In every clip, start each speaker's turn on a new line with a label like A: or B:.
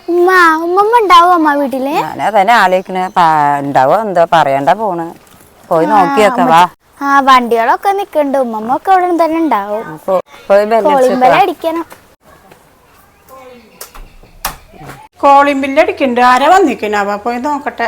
A: ഉമ്മ ഉമ്മമ്മ ഉണ്ടാവോ അമ്മ വീട്ടില്?
B: ഞാനതന്നെ ആലോചിക്കണ ഉണ്ടാവോ എന്തോ പറയണ്ട പോണ്. പോയി നോക്കിയൊക്കെ വാ.
A: വണ്ടികളൊക്കെ നിക്കണ്ട്. ഉമ്മമ്മ ഒക്കെ അവിടെ തന്നെ ഉണ്ടാവും. കോളിംഗ് ബെൽ അടിക്കണം.
C: കോളിംഗ് ബെല്ല് അടിക്കണ്ട്. ആരാ വന്നിക്കണാവാ? പോയി നോക്കട്ടെ.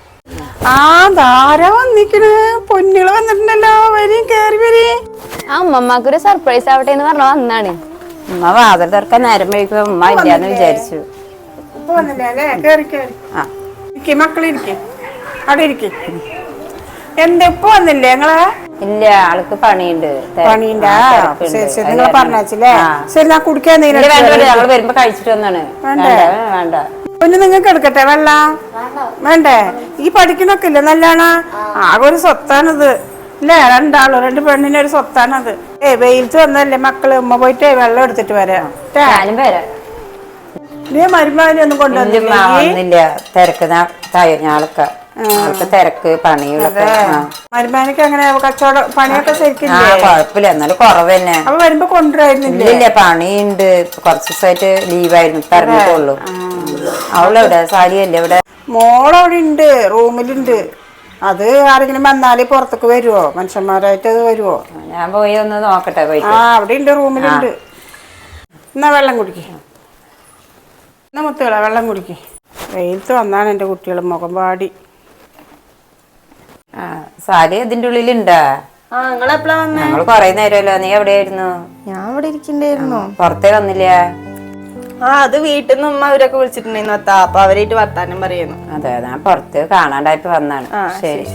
C: ആരാ വന്നിക്കണ്? പൊന്നുകള് വന്നിട്ടുണ്ടല്ലോ. വരി കേറി വരി.
D: ഉമ്മക്കൊരു സർപ്രൈസ് ആവട്ടെ എന്ന് പറഞ്ഞ വന്നാണ്.
B: ഉമ്മ വാതിൽ തുറക്കാൻ നേരം വൈകുമ്പോ ഉമ്മ ഇല്ലാന്ന് വിചാരിച്ചു.
C: ഇപ്പൊ വന്നില്ലേ അല്ലേ? കേറി കേറി മക്കളിരിക്കെ അവിടെ ഇരിക്കെ. എന്താ ഇപ്പൊ വന്നില്ലേ നിങ്ങള്?
B: ഇല്ല, ആൾക്ക് പണിയുണ്ട്.
C: പണിയുണ്ടാ? ശരി ശരി, നിങ്ങൾ പറഞ്ഞേ. ശരി, ഞാൻ കുടിക്കാൻ
B: ഞങ്ങൾ വരുമ്പോ കഴിച്ചിട്ട് വന്നാണ്. വേണ്ട
C: പിന്നെ നിങ്ങൾക്ക് എടുക്കട്ടെ വെള്ളം? വേണ്ടേ? ഈ പഠിക്കണൊക്കെ ഇല്ലേ നല്ലോണം? ആകെ ഒരു സ്വത്താണിത് അല്ലേ? രണ്ട് പെണ്ണിന്റെ ഒരു സ്വത്താണത്. വെയിലത്ത് വന്നല്ലേ മക്കള്. ഉമ്മ പോയിട്ട് വെള്ളം എടുത്തിട്ട് വരാം. നീ മരുമാനെ ഒന്നും
B: കൊണ്ടുവന്നില്ല. തിരക്ക് പണികളൊക്കെ.
C: മരുമാനക്ക് അങ്ങനെ കച്ചവടം പണിയൊക്കെ ശരിക്കും
B: കുഴപ്പമില്ല, എന്നാലും കുറവ് തന്നെ.
C: അപ്പൊ വരുമ്പോ കൊണ്ടുവരുന്നില്ല?
B: പണിയുണ്ട്. കുറച്ച് ദിവസമായിട്ട് ലീവായിരുന്നു. പറഞ്ഞിട്ടുള്ളൂ. അവളെവിടെ? സാരിയല്ലേ ഇവിടെ?
C: മോളവിടെ ഉണ്ട്, റൂമിലുണ്ട്. അത് ആരെങ്കിലും വന്നാല് പുറത്തേക്ക് വരുവോ? മനുഷ്യന്മാരായിട്ട് അത് വരുവോ?
B: ഞാൻ പോയി ഒന്ന് നോക്കട്ടെ.
C: അവിടെ ഉണ്ട്, റൂമിലുണ്ട്. എന്നാ വെള്ളം കുടിക്കേ. എന്നാ മുത്തുകള വെള്ളം കുടിക്കേ. വെയിലത്ത് വന്നാണ് എൻ്റെ കുട്ടികൾ മുഖം പാടി.
B: സാരി ഇതിന്റെ ഉള്ളിലുണ്ടാ? ഞങ്ങൾ കൊറേ നേരമല്ലോ. നീ എവിടെയായിരുന്നു?
D: ഞാൻ ഇവിടെ ഇരിക്കണ്ടായിരുന്നു.
B: പുറത്തേ വന്നില്ല?
D: അത് വീട്ടിൽ നിന്ന് ഉമ്മ അവരൊക്കെ വിളിച്ചിട്ടുണ്ടായിരുന്നു. അപ്പൊ അവരായിട്ട് വർത്താനം പറയുന്നു.
B: അതെ, ഞാൻ പുറത്ത് കാണാണ്ടായിട്ട് വന്നാണ്. ശരി.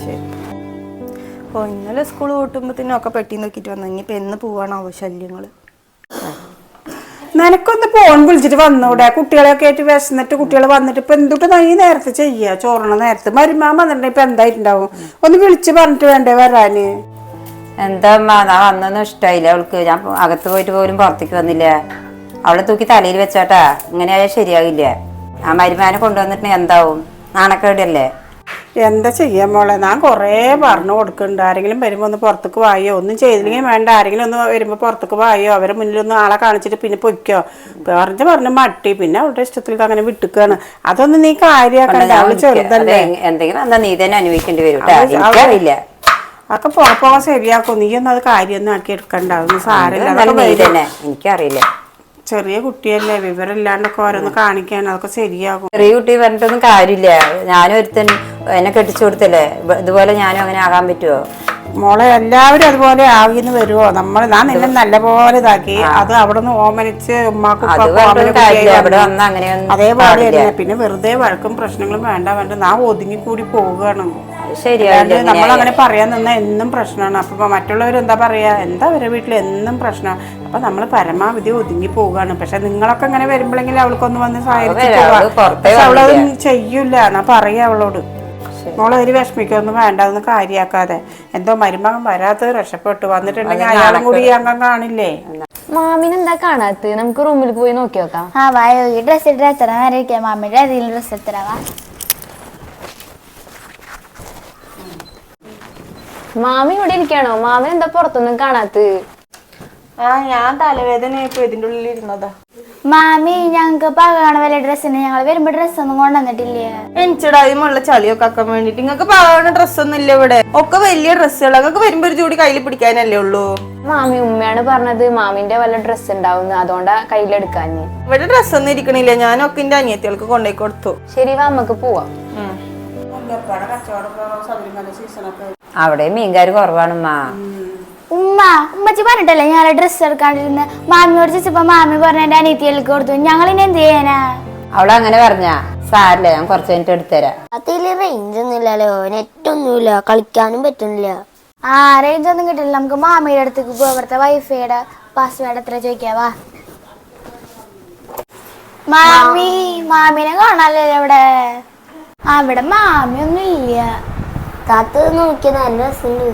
D: ഇന്നലെ സ്കൂൾ കൂട്ടുമ്പത്തിനൊക്കെ പെട്ടി നോക്കിട്ട് വന്നു. ഇനിയിപ്പൊ എന്ന് പോവാണാവോ ശല്യങ്ങള്.
C: നിനക്കൊന്ന് ഫോൺ വിളിച്ചിട്ട് വന്നൂടെ? കുട്ടികളെയൊക്കെ ആയിട്ട് വിശന്നിട്ട് കുട്ടികൾ വന്നിട്ട് ഇപ്പൊ എന്തുട്ട് ഈ നേരത്തെ ചെയ്യാ? ചോറണ നേരത്ത് മരുമാൻ വന്നിട്ടുണ്ടെങ്കിൽ ഇപ്പൊ എന്തായിട്ടുണ്ടാവും? ഒന്ന് വിളിച്ച് പറഞ്ഞിട്ട് വേണ്ടേ വരാന്?
B: എന്താ ഞാൻ വന്നൊന്നും ഇഷ്ടായില്ല അവൾക്ക്. ഞാൻ അകത്ത് പോയിട്ട് പോലും പുറത്തേക്ക് വന്നില്ല. അവളെ തൂക്കി തലയിൽ വെച്ചാട്ടാ. ഇങ്ങനെയായാൽ ശരിയാകില്ല. ആ മരുമാനെ കൊണ്ടുവന്നിട്ടുണ്ടെങ്കിൽ എന്താവും? നാണക്കേടല്ലേ?
C: എന്താ ചെയ്യാൻ മോളെ? ഞാൻ കൊറേ പറഞ്ഞു കൊടുക്കുന്നുണ്ട്. ആരെങ്കിലും വരുമ്പോ ഒന്ന് പുറത്തേക്ക് വായോ. ഒന്നും ചെയ്തില്ലെങ്കിൽ വേണ്ട. ആരെങ്കിലും ഒന്ന് വരുമ്പോ പുറത്തേക്ക് വായോ. അവരെ മുന്നിലൊന്നും ആളെ കാണിച്ചിട്ട് പിന്നെ പൊയ്ക്കോ പറഞ്ഞു മട്ടി. പിന്നെ അവളുടെ ഇഷ്ടത്തിൽ അങ്ങനെ വിട്ടുക്കാണ്. അതൊന്നും നീ കാര്യാക്കണ്ട. അവള് ചെറുതല്ലേ.
B: എന്തെങ്കിലും എന്താ നീ തന്നെ അനുഭവിക്കേണ്ടി വരും. എനിക്കറിയില്ല.
C: അതൊക്കെ പോകാൻ ശരിയാക്കും. നീ ഒന്നും അത് കാര്യമൊന്നും ആക്കി എടുക്കണ്ട. അതൊന്നും സാരമില്ല.
B: എനിക്കറിയില്ല.
C: ചെറിയ കുട്ടിയല്ലേ, വിവരമില്ലാണ്ടൊക്കെ ഓരോന്ന് കാണിക്കാൻ. അതൊക്കെ ശരിയാകും.
B: ചെറിയ കുട്ടി പറഞ്ഞിട്ടൊന്നും കാര്യമില്ല. ഞാനും ഒരുത്തൻ എന്നെ കെട്ടിച്ചു കൊടുത്തല്ലേ. ഇതുപോലെ ഞാനും അങ്ങനെ ആകാൻ പറ്റുമോ?
C: മോളെ എല്ലാവരും അതുപോലെ ആകിന്ന് വരുമോ? ഞാൻ നിന്നെ നല്ല പോലെ ഇതാക്കി. അത് അവിടെ നിന്ന് ഓമനിച്ച് ഉമ്മാക്കും അതേപോലെ തന്നെ. പിന്നെ വെറുതെ വഴക്കും പ്രശ്നങ്ങളും വേണ്ട ഞാൻ ഒതുങ്ങിക്കൂടി പോവുകയാണ്. നമ്മളങ്ങനെ പറയാൻ നിന്നാ എന്നും പ്രശ്നമാണ്. അപ്പൊ മറ്റുള്ളവർ എന്താ പറയാ? എന്താ അവരുടെ വീട്ടിൽ എന്നും പ്രശ്നമാണ്. അപ്പൊ നമ്മൾ പരമാവധി ഒതുങ്ങി പോവുകയാണ്. പക്ഷെ നിങ്ങളൊക്കെ ഇങ്ങനെ വരുമ്പോഴെങ്കിലും അവൾക്കൊന്ന് വന്ന് സഹായിച്ചു അവളതൊന്നും ചെയ്യൂല. എന്നാ പറയാ അവളോട്, മോളെ ഒരു വിഷമിക്കൊന്നും വേണ്ട. അതൊന്നും കാര്യാക്കാതെ. എന്തോ മരുമകൻ വരാത്തത് രക്ഷപ്പെട്ടു. വന്നിട്ടുണ്ടെങ്കിൽ അയാളും കൂടി ഈ അംഗം കാണില്ലേ?
D: മാമിനെന്താ കാണാത്ത? നമുക്ക് റൂമിൽ പോയി നോക്കി നോക്കാം.
A: വായോ, ഈ ഡ്രസ് ഇട്ട് എത്ര നേരം ഇരിക്കാം. മാമിയുടെ ഏതെങ്കിലും ഡ്രസ് എത്തരാവാ.
D: മാമി ഇവിടെ ഇരിക്കാണോ? മാമി എന്താ പുറത്തൊന്നും കാണാത്ത?
E: ഞാൻ തലവേദന ഇപ്പൊ ഇതിന്റെ ഉള്ളിൽ ഇരുന്നതാ.
A: മാമി, ഞങ്ങക്ക് പകണ വല്ല ഡ്രസ്സിന് ഞങ്ങൾ വരുമ്പോ ഡ്രസ്സൊന്നും കൊണ്ടുവന്നിട്ടില്ലേ?
E: എനിച്ചിടായ്മുള്ള ചളിയൊക്കെ ആക്കാൻ വേണ്ടിട്ട്. നിങ്ങൾക്ക് പകണ ഡ്രസ്സൊന്നും ഇല്ല ഇവിടെ. ഒക്കെ വലിയ ഡ്രസ്സുകൾ. നിങ്ങൾക്ക് വരുമ്പോ ഒരു ജോഡി കയ്യിൽ പിടിക്കാനല്ലേ ഉള്ളൂ.
D: മാമി ഉമ്മയാണ് പറഞ്ഞത് മാമിന്റെ വല്ല ഡ്രസ്സ് ഉണ്ടാവുന്നു, അതുകൊണ്ടാ കയ്യിലെടുക്കാഞ്ഞ്.
E: ഇവിടെ ഡ്രസ്സൊന്നും ഇരിക്കണില്ല. ഞാനൊക്കെ എന്റെ അനിയത്തികൾക്ക് കൊണ്ടുപോയി കൊടുത്തു.
D: ശരി, നമുക്ക് പോവാം.
B: അവിടെ മീൻകാര് കുറവാണുമ്മാ.
A: ഉമ്മച്ചി പറഞ്ഞിട്ടല്ലേ ഞാൻ ഡ്രസ്സ് എടുക്കാണ്ടിരുന്ന. മാമിയോട് ചോദിച്ചപ്പോ മാമി പറഞ്ഞ എന്റെ അനിയത്തികൾക്ക് കൊടുത്തു. ഞങ്ങളിനി എന്ത് ചെയ്യാനാ?
B: അവളങ്ങനെ പറഞ്ഞാ? സാരില്ല, ഞാൻ കുറച്ച് കഴിഞ്ഞിട്ട് എടുത്തരാം.
A: അതില് റേഞ്ച് ഒന്നും ഇല്ലല്ലോ, നെറ്റ് ഒന്നുമില്ല, കളിക്കാനും പറ്റുന്നില്ല. റേഞ്ച് ഒന്നും കിട്ടില്ല. നമുക്ക് മാമിയുടെ അടുത്തേക്ക് പോവാ. ഇവിടുത്തെ വൈഫൈയുടെ പാസ്വേഡ് എത്ര ചോദിക്കാവാ. മാമിനെ കാണാല്ലോ ഇവിടെ. അവിടെ മാമിയൊന്നും ഇല്ല. കാത്ത് നോക്കിയ നല്ല രസമുണ്ട്.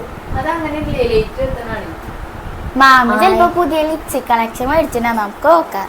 A: മാമി ചിലപ്പോ പുതിയ ലിപ്സ്റ്റിക് കളക്ഷൻ മേടിച്ചിട്ടാ. നമുക്ക് നോക്കാം.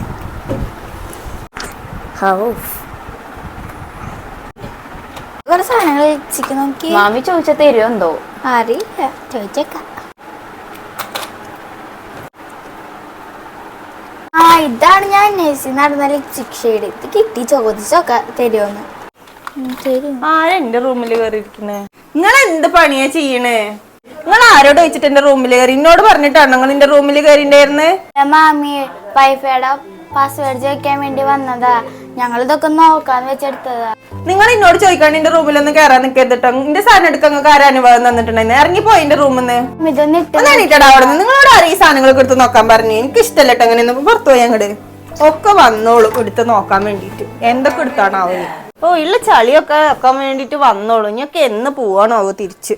A: കുറെ സാധനങ്ങൾ ലിപ്സ്റ്റിക് നോക്കി.
D: മാമി ചോദിച്ച തരുമോ എന്തോ
A: അറിയില്ല, ചോദിച്ചേക്കാം. ഇതാണ് ഞാൻ അന്വേഷിച്ച് നടന്ന ലിപ്സ്റ്റിക് ഷെയ്ഡ്. ഇത് കിട്ടി, ചോദിച്ചൊക്കെ തരുമോന്ന്. തരും.
E: ആരാ എന്റെ റൂമിൽ കയറിയിരിക്കണേ? നിങ്ങൾ എന്ത് പണിയാ ചെയ്യണേ? നിങ്ങൾ ആരോട് വെച്ചിട്ട് എന്റെ റൂമിൽ കയറി? എന്നോട് പറഞ്ഞിട്ടാണ് നിങ്ങൾ എന്റെ റൂമിൽ കയറിണ്ടായിരുന്നേ?
A: മാമി വൈഫൈയുടെ പാസ്വേഡ് ചോദിക്കാൻ വേണ്ടി വന്നതാ. ഞങ്ങൾ ഇതൊക്കെ നോക്കാന്ന് വെച്ചെടുത്തതാ.
E: നിങ്ങൾ എന്നോട് ചോദിക്കാണ്ട് എന്റെ റൂമിലൊന്നും കയറാൻ നിൽക്കരുതട്ടോ. എന്റെ സാധനം എടുക്കാൻ നിങ്ങൾക്ക് ആരും അനുഭവം തന്നിട്ടുണ്ടായിരുന്നു? ഇറങ്ങിപ്പോയി എന്റെ റൂമിൽ നിന്ന്.
A: ഇതൊന്നും
E: അവിടെ നിന്ന് നിങ്ങളോട് ആരും ഈ സാധനങ്ങളൊക്കെ എടുത്ത് നോക്കാൻ പറഞ്ഞു? എനിക്ക് ഇഷ്ടമല്ലട്ടോ അങ്ങനെ പുറത്തു പോയി അങ്ങോട്ട്. ഒക്കെ വന്നോളൂ എടുത്ത് നോക്കാൻ വേണ്ടിട്ട്. എന്തൊക്കെ എടുത്താണാവോ? ഓ ഉള്ള ചളിയൊക്കെ വെക്കാൻ വേണ്ടിട്ട് വന്നോളൂ. ഇനിയൊക്കെ എന്ന് പോവാണോ തിരിച്ച്?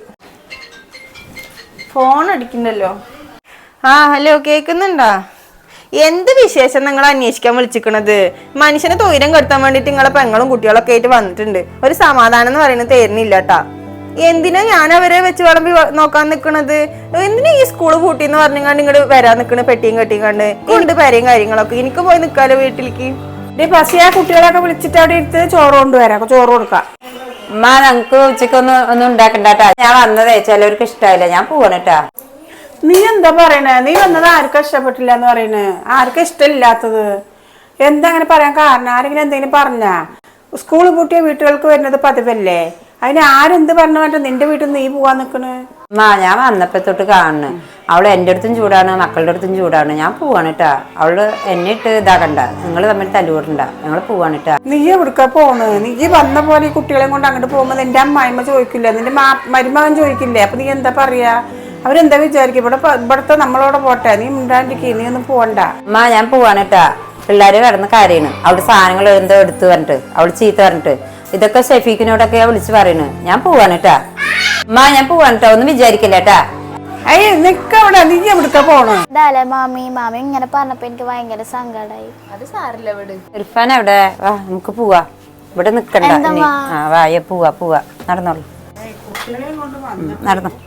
E: ഫോൺ അടിക്കണ്ടല്ലോ. ആ ഹലോ, കേക്കുന്നുണ്ടാ? എന്ത് വിശേഷം നിങ്ങൾ അന്വേഷിക്കാൻ വിളിച്ചിക്കണത്? മനുഷ്യനെ തൊയിരം കെടുത്താൻ വേണ്ടിട്ട് നിങ്ങളെ പെങ്ങളും കുട്ടികളൊക്കെ ആയിട്ട് വന്നിട്ടുണ്ട്. ഒരു സമാധാനം എന്ന് പറയുന്നത് തരുന്നില്ല കേട്ടാ. എന്തിനാ ഞാൻ അവരെ വെച്ച് വിളമ്പി നോക്കാൻ നിക്കണത്? എന്തിനാ ഈ സ്കൂള് പൂട്ടിന്ന് പറഞ്ഞാണ്ട് ഇങ്ങോട്ട് വരാൻ നിക്കണ പെട്ടിയും കെട്ടിങ്ങാണ്ട്? കൊണ്ട് പേരെയും കാര്യങ്ങളൊക്കെ എനിക്ക് പോയി നിക്കാലോ വീട്ടിലേക്ക്.
C: ആ കുട്ടികളൊക്കെ വിളിച്ചിട്ട് അവിടെ എടുത്ത് ചോറ് കൊണ്ടുവരാം, ചോറ് കൊടുക്കാം.
B: ഉമ്മ ഞങ്ങക്ക് ഉച്ചക്ക് ഒന്നും ഉണ്ടാക്കണ്ടാട്ടാ. ഞാൻ വന്നതേ ചിലവർക്ക് ഇഷ്ടമായില്ല, ഞാൻ പോവാണട്ടാ.
C: നീ എന്താ പറയണേ? നീ വന്നത് ആർക്കും ഇഷ്ടപ്പെട്ടില്ല എന്ന് പറയണേ? ആർക്കും ഇഷ്ടമില്ലാത്തത് എന്താ അങ്ങനെ പറയാൻ കാരണം? ആരെങ്കിലും എന്തെങ്കിലും പറഞ്ഞാ? സ്കൂൾ പൂട്ടിയ വീട്ടുകൾക്ക് വരുന്നത് പതിവല്ലേ? അതിന് ആരെന്ത് പറഞ്ഞു പറഞ്ഞ നിന്റെ വീട്ടിൽ നീ പോവാൻ നിക്കണ്?
B: ഞാൻ വന്നപ്പോ തൊട്ട് കാണുന്നു അവള് എന്റെ അടുത്തും ചൂടാണ്, മക്കളുടെ അടുത്തും ചൂടാണ്. ഞാൻ പോവാണിട്ടാ. അവള് എന്നെ ഇട്ട് ഇതാക്കണ്ട, നിങ്ങൾ തമ്മിൽ തല്ലുകൂടണ്ട, ഞങ്ങൾ പോവാണിട്ടാ.
C: നീ എവിടുക്ക പോണ്? നീ വന്ന പോലെ ഈ കുട്ടികളെ കൊണ്ട് അങ്ങോട്ട് പോകുമ്പോ നിന്റെ അമ്മായിമ്മ ചോദിക്കില്ല, നിന്റെ മരുമകൻ ചോദിക്കില്ലേ? അപ്പൊ നീ എന്താ പറയാ? അവരെന്താ വിചാരിക്കും? ഇവിടത്തെ നമ്മളോടെ പോട്ടെ, നീ മിണ്ടാണ്ടിരിക്കേ, നീ ഒന്നും പോവണ്ട.
B: ഞാൻ പോവാണിട്ടാ. പിള്ളേര് കിടന്ന് കരയണ്, അവിടെ സാധനങ്ങൾ എന്തോ എടുത്തു പറഞ്ഞിട്ട്, അവള് ചീത്ത പറഞ്ഞിട്ട്. ഇതൊക്കെ ഷെഫീഖിനോടൊക്കെ വിളിച്ച് പറയണ്. ഞാൻ പോവാണിട്ടാ. ഞാൻ പോവാണിട്ടാ, ഒന്നും വിചാരിക്കില്ലേട്ടാ.
C: അയ്യ നിക്കവിടെ, നീ എവിടുക്ക പോണ്?
A: ഇതല്ലേ മാമി ഇങ്ങനെ പറഞ്ഞപ്പോ എനിക്ക് ഭയങ്കര സങ്കടായി.
E: അത് സാരില്ല ഇവിടെ.
B: ഇർഫാൻ എവിടെ? വാ നമുക്ക് പോവാ, ഇവിടെ നിക്കണ്ട. വായ പോവാ നടന്നോളൂ, നടന്നോ.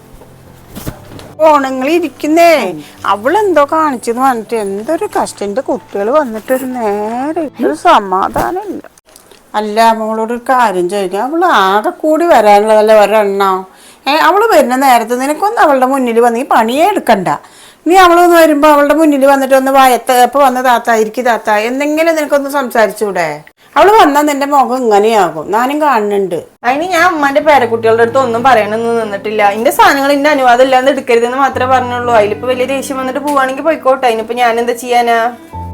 C: നിങ്ങൾ ഇരിക്കുന്നേ, അവളെന്തോ കാണിച്ചെന്ന് പറഞ്ഞിട്ട് എന്തൊരു കഷ്ടന്റെ കുട്ടികൾ വന്നിട്ടൊരു നേരെ ഒരു സമാധാനം ഇല്ല. അല്ല മോളോട് ഒരു കാര്യം ചോദിക്കാം, അവള് ആകെ കൂടി വരാനുള്ളതല്ലേ ഒരെണ്ണോ? അവള് വരുന്ന നേരത്തെ നിനക്കൊന്ന് അവളുടെ മുന്നിൽ വന്ന് ഈ പണിയേ എടുക്കണ്ട. നീ അവളൊന്ന് വരുമ്പോ അവളുടെ മുന്നിൽ വന്നിട്ട് ഒന്ന് എപ്പോ വന്ന താത്ത ഇരിക്കും താത്ത എന്തെങ്കിലും നിനക്കൊന്ന് സംസാരിച്ചൂടെ? അവള് വന്നാൽ നിന്റെ മുഖം ഇങ്ങനെയാകും, ഞാനും കാണുന്നുണ്ട്.
E: അതിന് ഞാൻ ഉമ്മാന്റെ പേരക്കുട്ടികളുടെ അടുത്ത് ഒന്നും പറയണമെന്ന് നിന്നിട്ടില്ല. എന്റെ സാധനങ്ങൾ എന്റെ അനുവാദം ഇല്ലാന്ന് എടുക്കരുതെന്ന് മാത്രമേ പറഞ്ഞുള്ളൂ. അതിലിപ്പോ വലിയ ദേഷ്യം വന്നിട്ട് പോവാണെങ്കിൽ പോയിക്കോട്ടെ. അതിനിപ്പോ ഞാൻ എന്താ ചെയ്യാനാ?